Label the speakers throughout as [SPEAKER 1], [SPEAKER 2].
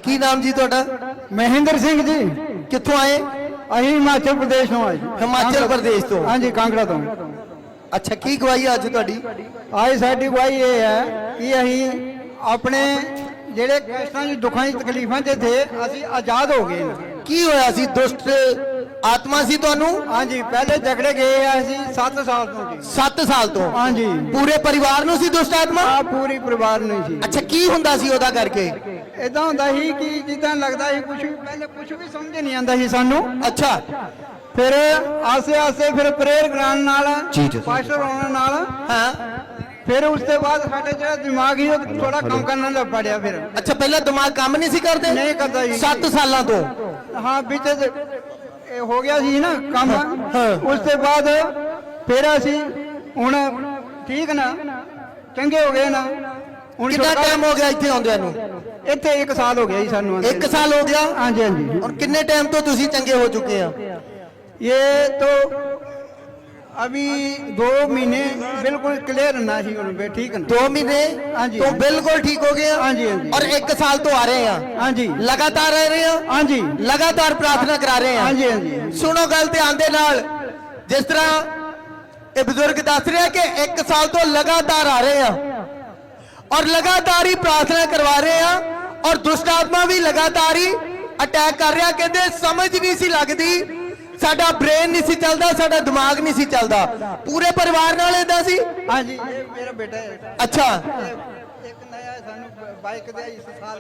[SPEAKER 1] की नाम जी ਤੁਹਾਡਾ?
[SPEAKER 2] महेंद्र सिंह जी।
[SPEAKER 1] कित्थों आए?
[SPEAKER 2] अही हिमाचल प्रदेश ਤੋਂ ਆਏ।
[SPEAKER 1] हिमाचल प्रदेश तो?
[SPEAKER 2] हाँ जी, कांगड़ा तो।
[SPEAKER 1] अच्छा, की गवाही आज ਤੁਹਾਡੀ?
[SPEAKER 2] आज साडी गवाही ये है कि अही अपने ਜਿਹੜੇ ਕਸ਼ਟਾਂ ਦੀ ਦੁੱਖਾਂ ਦੀ ਤਕਲੀਫਾਂ ਤੇ थे ਅਸੀਂ ਆਜ਼ਾਦ ਹੋ ਗਏ ਨਾ।
[SPEAKER 1] की होया सी? दुष्ट आत्मा सी ਤੁਹਾਨੂੰ?
[SPEAKER 2] हाँ जी, पहले झगड़े गए हैं ਅਸੀਂ 7 ਸਾਲ ਤੋਂ जी।
[SPEAKER 1] 7 ਸਾਲ ਤੋਂ?
[SPEAKER 2] हाँ जी,
[SPEAKER 1] ਪੂਰੇ ਪਰਿਵਾਰ ਨੂੰ ਸੀ ਦੁਸ਼ਟ ਆਤਮਾ?
[SPEAKER 2] ਆ ਪੂਰੀ ਪਰਿਵਾਰ ਨੂੰ ਸੀ।
[SPEAKER 1] ਅੱਛਾ, ਕੀ ਹੁੰਦਾ ਸੀ ਉਹਦਾ ਕਰਕੇ?
[SPEAKER 2] ਇਦਾਂ ਹੁੰਦਾ ਸੀ ਕਿ ਜਿੱਦਾਂ ਲੱਗਦਾ ਸੀ ਕੁਝ ਪਹਿਲੇ ਕੁਝ ਵੀ ਸਮਝ ਨਹੀਂ ਆਉਂਦਾ ਸੀ ਸਾਨੂੰ।
[SPEAKER 1] ਅੱਛਾ,
[SPEAKER 2] ਫਿਰ ਆਸੇ ਆਸੇ ਫਿਰ ਪ੍ਰੇਅਰ ਕਰਾਉਣ ਨਾਲ,
[SPEAKER 1] ਜੀ ਜੀ।
[SPEAKER 2] ਪਾਸਟਰ ਹੋਣ ਨਾਲ,
[SPEAKER 1] ਹਾਂ।
[SPEAKER 2] ਫਿਰ ਉਸ ਤੋਂ ਬਾਅਦ ਸਾਡੇ ਜਿਹੜਾ ਦਿਮਾਗ ਹੀ ਉਹ ਥੋੜਾ ਕੰਮ ਕਰਨਾ ਲੱਗ ਪੜਿਆ। ਫਿਰ
[SPEAKER 1] ਅੱਛਾ, ਪਹਿਲਾਂ ਦਿਮਾਗ ਕੰਮ ਨਹੀਂ ਸੀ ਕਰਦੇ?
[SPEAKER 2] ਨਹੀਂ ਕਰਦਾ ਜੀ।
[SPEAKER 1] 7 ਸਾਲਾਂ ਤੋਂ?
[SPEAKER 2] ਹਾਂ, ਵਿੱਚ ਇਹ ਹੋ ਗਿਆ ਸੀ ਨਾ ਕੰਮ।
[SPEAKER 1] ਹਾਂ।
[SPEAKER 2] ਉਸ ਤੋਂ ਬਾਅਦ ਫਿਰ ਅਸੀਂ ਹੁਣ ਠੀਕ ਨਾ, ਚੰਗੇ ਹੋ ਗਏ ਨਾ। ਹੁਣ
[SPEAKER 1] ਕਿੰਨਾ ਟਾਈਮ ਹੋ ਗਿਆ ਇੱਥੇ ਆਉਂਦਿਆਂ ਨੂੰ?
[SPEAKER 2] ਇੱਥੇ 1 ਸਾਲ ਹੋ ਗਿਆ ਜੀ ਸਾਨੂੰ।
[SPEAKER 1] 1 ਸਾਲ ਹੋ ਗਿਆ?
[SPEAKER 2] ਹਾਂਜੀ ਹਾਂਜੀ।
[SPEAKER 1] और कितने टाइम तो तुसी चंगे हो चुके हैं?
[SPEAKER 2] ये तो अभी 2 महीने बिल्कुल क्लियर ना ही उनपे, ठीक है ना?
[SPEAKER 1] 2 महीने?
[SPEAKER 2] हाँ जी।
[SPEAKER 1] तो बिल्कुल ठीक हो गए हैं?
[SPEAKER 2] हाँ जी, हाँ जी।
[SPEAKER 1] और 1 साल तो आ रहे हैं?
[SPEAKER 2] हाँ जी,
[SPEAKER 1] लगातार रह रहे हैं?
[SPEAKER 2] हाँ जी,
[SPEAKER 1] लगातार प्रार्थना करा रहे हैं?
[SPEAKER 2] हाँ जी, हाँ जी।
[SPEAKER 1] सुनो गल ध्यान दे नाल, जिस तरह ये बुजुर्ग दस रहे हैं कि 1 साल तो लगातार आ रहे हैं और लगातार ही प्रार्थना करवा रहे हैं और दुष्ट आत्मा भी लगातार ही अटैक कर रहा। कहते समझ नहीं सी लगती, साडा ब्रेन नहीं सी चलता, साडा दिमाग नहीं सी चलता। पूरे परिवार नाल इदां सी?
[SPEAKER 2] हाँ जी, ये मेरा बेटा है।
[SPEAKER 1] अच्छा,
[SPEAKER 2] एक नया सानू बाइक दिया इस साल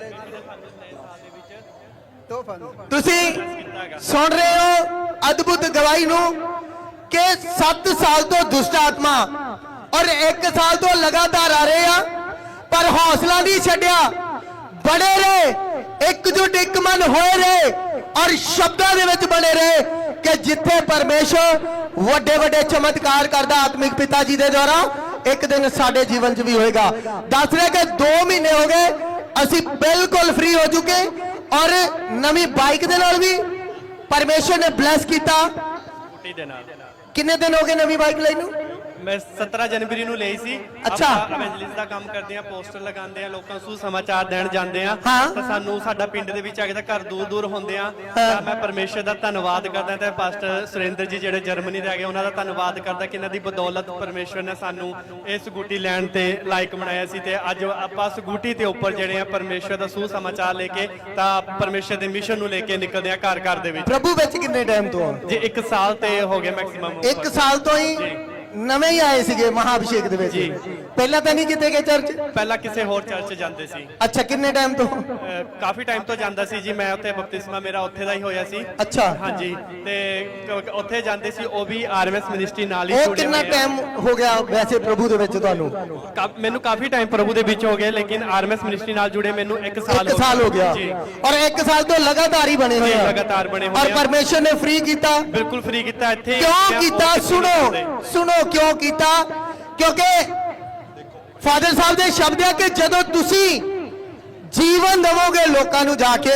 [SPEAKER 2] तोहफा।
[SPEAKER 1] तुसी सुन रहे हो अद्भुत गवाही नू कि 7 साल तो दुष्ट आत्मा और 1 साल तो लगातार आ रहे हैं, पर हौसला नहीं छड्या, बड़े रहे, एकजुट एक मन होए रहे और शब्दां दे विच बने रहे कि जिथे परमेश्वर वड्डे वड्डे चमत्कार करदा आत्मिक पिता जी दे द्वारा, एक दिन साडे जीवन च भी होएगा। दस रहे कि 2 महीने हो गए असी बिल्कुल फ्री हो चुके और नवी बाइक दे नाल भी परमेश्वर ने ब्लैस किया। किन्ने दिन हो गए नवी बाइक ਲਈ ਨੂੰ?
[SPEAKER 3] मैं 17 जनवरी ਨੂੰ ਲਈ ਸੀ।
[SPEAKER 1] ਅੱਛਾ।
[SPEAKER 3] ਆਪਾਂ ਐਵੈਂਜਲਿਸਟ ਦਾ ਕੰਮ ਕਰਦੇ ਆ, ਪੋਸਟਰ ਲਗਾਉਂਦੇ ਆ, ਲੋਕਾਂ ਨੂੰ ਸਮਾਚਾਰ ਦੇਣ ਜਾਂਦੇ ਆ।
[SPEAKER 1] ਹਾਂ।
[SPEAKER 3] ਤਾਂ ਸਾਨੂੰ ਸਾਡਾ ਪਿੰਡ ਦੇ ਵਿੱਚ ਆ ਕੇ ਤਾਂ ਘਰ ਦੂਰ ਦੂਰ ਹੁੰਦੇ ਆ। ਤਾਂ ਮੈਂ ਪਰਮੇਸ਼ਰ ਦਾ ਧੰਨਵਾਦ ਕਰਦਾ ਤੇ ਪਾਸਟਰ ਸੁਰਿੰਦਰ ਜੀ ਜਿਹੜੇ ਜਰਮਨੀ ਦੇ ਹੈਗੇ ਉਹਨਾਂ ਦਾ ਧੰਨਵਾਦ ਕਰਦਾ ਕਿ ਇਹਨਾਂ ਦੀ ਬਦੌਲਤ ਪਰਮੇਸ਼ਰ ਨੇ ਸਾਨੂੰ ਇਹ ਸਕੂਟੀ ਲੈਣ ਤੇ ਲਾਇਕ ਬਣਾਇਆ ਸੀ ਤੇ ਅੱਜ ਆਪਾਂ ਸਕੂਟੀ ਤੇ ਉੱਪਰ ਜਿਹੜੇ ਆ ਪਰਮੇਸ਼ਰ ਦਾ ਸਮਾਚਾਰ ਲੈ ਕੇ ਤਾਂ ਪਰਮੇਸ਼ਰ ਦੇ ਮਿਸ਼ਨ ਨੂੰ ਲੈ ਕੇ ਨਿਕਲਦੇ ਆ ਘਰ ਘਰ ਦੇ ਵਿੱਚ।
[SPEAKER 1] ਪ੍ਰਭੂ ਵਿੱਚ ਕਿੰਨੇ ਟਾਈਮ ਤੋਂ?
[SPEAKER 3] ਜੀ 1 ਸਾਲ ਤੇ ਹੋ ਗਿਆ ਮੈਕਸਿਮਮ।
[SPEAKER 1] 1 ਸਾਲ ਤੋਂ ਹੀ ਨਵੇਂ ਹੀ ਆਏ ਸੀਗੇ ਮਹਾਅਭਿਸ਼ੇਕ ਦੇ ਵਿੱਚ? ਪਹਿਲਾਂ ਤਾਂ ਨਹੀਂ ਕਿਤੇ ਗਏ ਚਰਚ?
[SPEAKER 3] ਪਹਿਲਾਂ ਕਿਸੇ ਹੋਰ ਚਰਚ ਜਾਂਦੇ ਸੀ।
[SPEAKER 1] ਅੱਛਾ, ਕਿੰਨੇ ਟਾਈਮ ਤੋਂ?
[SPEAKER 3] ਕਾਫੀ ਟਾਈਮ ਤੋਂ ਜਾਂਦਾ ਸੀ ਜੀ। ਮੈਂ ਉੱਥੇ ਬਪਤਿਸਮਾ ਮੇਰਾ ਉੱਥੇ ਦਾ ਹੀ ਹੋਇਆ ਸੀ।
[SPEAKER 1] ਅੱਛਾ।
[SPEAKER 3] ਹਾਂਜੀ, ਤੇ ਉੱਥੇ ਜਾਂਦੇ ਸੀ, ਉਹ ਵੀ ਆਰਐਮਐਸ ਮਿਨਿਸਟਰੀ ਨਾਲ ਹੀ
[SPEAKER 1] ਉਹ
[SPEAKER 3] ਜੁੜੇ
[SPEAKER 1] ਕਿੰਨਾ
[SPEAKER 3] ਹੋਏ ਆ।
[SPEAKER 1] ਟਾਈਮ ਹੋ ਗਿਆ ਵੈਸੇ ਪ੍ਰਭੂ ਦੇ ਵਿੱਚ ਤੁਹਾਨੂੰ?
[SPEAKER 3] ਮੈਨੂੰ ਕਾਫੀ ਟਾਈਮ ਪ੍ਰਭੂ ਦੇ ਵਿੱਚ ਹੋ ਗਿਆ, ਲੇਕਿਨ ਆਰਐਮਐਸ ਮਿਨਿਸਟਰੀ ਨਾਲ ਜੁੜੇ ਮੈਨੂੰ 1 ਸਾਲ
[SPEAKER 1] 1 ਸਾਲ ਹੋ ਗਿਆ
[SPEAKER 3] ਜੀ।
[SPEAKER 1] ਔਰ 1 ਸਾਲ ਤੋਂ ਲਗਾਤਾਰ ਹੀ ਬਣੇ ਹੋਏ ਆ?
[SPEAKER 3] ਲਗਾਤਾਰ ਬਣੇ ਹੋਏ
[SPEAKER 1] ਔਰ
[SPEAKER 3] ਆ।
[SPEAKER 1] ਪਰਮੇਸ਼ਰ ਨੇ ਫ੍ਰੀ ਕੀਤਾ?
[SPEAKER 3] ਬਿਲਕੁਲ ਫ੍ਰੀ ਕੀਤਾ। ਇੱਥੇ
[SPEAKER 1] ਕਿਉਂ ਕੀਤਾ? ਸੁਣੋ ਕਿਉਂ ਕੀਤਾ? क्योंकि फादर साहब के शब्द है कि जदों तुसी जीवन दवोगे लोकां नू जाके,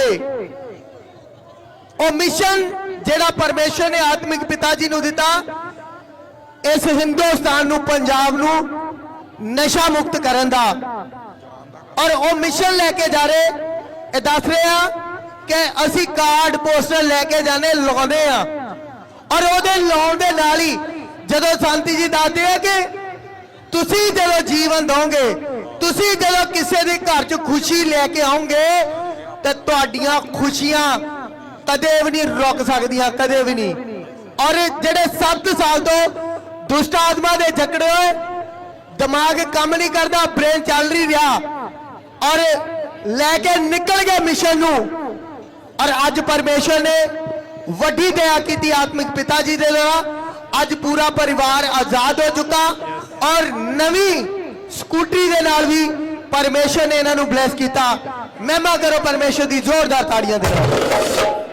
[SPEAKER 1] ओ मिशन जेड़ा परमेश्वर ने आत्मिक पिता जी नू दिता इस हिंदुस्तान नू, पंजाब नू नशा मुक्त करन दा, और ओ मिशन लेके जा रहे, ये दस रहे हैं कि असी कार्ड पोस्टर लेके जाने लाने आ और ओदे लाउण दे नाल ही जदों शांति जी दसदे हैं कि तुसी जदों जीवन दोगे, तुसी जदों किसी के घर च खुशी लेके आओगे तो तुहाडियां खुशियां कदे भी नहीं रुक सकदियां, कदे भी नहीं। और जेडे 7 साल तो दुष्ट आत्मा दे जकड़े होए, दिमाग काम नहीं करता, ब्रेन चल नहीं रहा और लेके निकल गए मिशन नू, और अज परमेश्वर ने वड्डी दया की आत्मिक पिता जी दे द्वारा अज पूरा परिवार आजाद हो चुका और नवी स्कूटरी दे नाल भी परमेश्वर ने इन्हां नूं ब्लैस किया। महिमा करो परमेश्वर दी जोरदार ताड़ियां दे नाल।